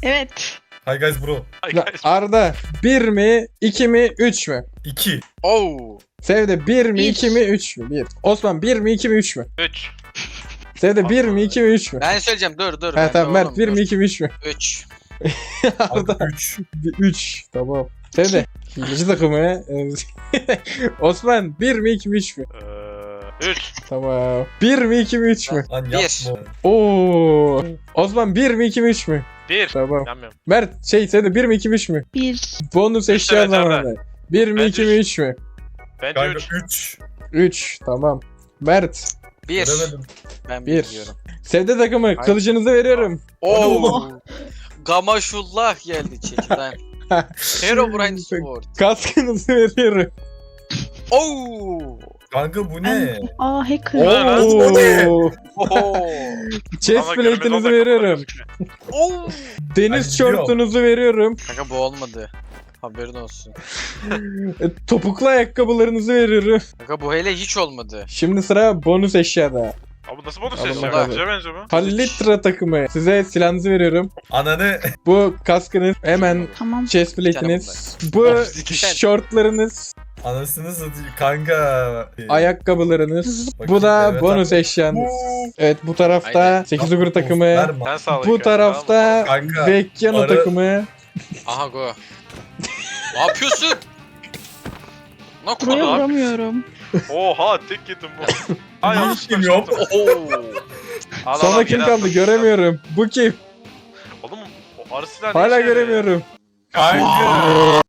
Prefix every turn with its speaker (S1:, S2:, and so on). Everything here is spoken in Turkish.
S1: Evet.
S2: Hi guys bro.
S3: Arda 1 mi 2 mi 3 mü?
S2: 2.
S4: Oo.
S3: Sevde 1 mi
S1: Bir.
S3: 2 mi 3 mü? 1. Osman 1 mi 2 mi 3 mü?
S5: 3.
S3: Sevde 1 mi 2 mi 3 mü?
S4: Ben söyleyeceğim dur.
S3: He tamam Mert 1 mi 2 mi 3 mü?
S4: 3.
S3: Arda
S2: 3.
S3: 3 tamam. Sevde hileci takımı. Osman 1 mi 2 mi 3 mü?
S5: 3.
S3: Tamam. 1 mi 2 mi 3 mü?
S2: Lan
S4: Bir.
S2: yapma.
S3: Oo. Osman 1 mi 2 mi 3 mü?
S5: 1.
S3: Tamam.
S5: Yanmıyorum.
S3: Mert Sevde 1 mi 2 mi 3 mü?
S1: 1.
S3: Bonus
S5: Üç
S3: eşya
S5: evet,
S3: zamanı. 1 mi
S5: Bence
S3: 2 mi 3 mü?
S5: Bence
S2: Kanka
S5: 3.
S2: 3.
S3: 3 tamam. Mert
S4: 1.
S2: Göremedim.
S4: Ben
S3: Bir.
S4: 1 diyorum.
S3: Sevde takımı kılıcınızı veriyorum.
S4: Oo. Gamaşullah geldi çekiden. Herobrine Sword.
S3: Kaskınızı veriyorum.
S4: Oo.
S2: Kanka bu ne?
S1: Aa hacker.
S3: Oo.
S4: Oo.
S3: Chest plate'inizi veriyorum.
S4: Oo.
S3: Deniz
S2: Ay,
S3: şortunuzu veriyorum.
S4: Kanka bu olmadı. Haberin olsun.
S3: Topuklu ayakkabılarınızı veriyorum.
S4: Kanka bu hele hiç olmadı.
S3: Şimdi sıra bonus eşyada.
S5: Abi nasıl bonus
S3: Alın
S5: eşya?
S3: bakalım.
S5: Güzel benziyor bu.
S3: Halitra takımı. Size silahınızı veriyorum.
S2: Ananı.
S3: Bu kaskınız. Hemen
S1: Tamam.
S3: chest plate'iniz. Bu
S4: Bir tane.
S3: şortlarınız.
S2: Anasını satayım. Kanka.
S3: Ayakkabılarınız.
S2: Bakayım,
S3: Bu da
S2: evet
S3: bonus
S2: abi.
S3: eşyanız. Evet bu tarafta
S4: Aynen.
S3: 8 ugur takımı.
S2: Verme.
S5: Sen sağla.
S3: Bu tarafta
S2: Kanka,
S3: Vecchiano
S2: arı-
S3: takımı.
S4: Aha go. Ne yapıyorsun? Ne
S1: Buraya
S4: konu?
S1: vuramıyorum.
S5: Oha tek yedim bu. Ay yanlış
S2: Kim yok?
S4: Oo.
S3: Sonra kim kaldı göremiyorum. Bu kim?
S5: Oğlum o arı silahı ne
S3: Hala
S5: işe yarıyor ya?
S3: göremiyorum.
S2: Kanka.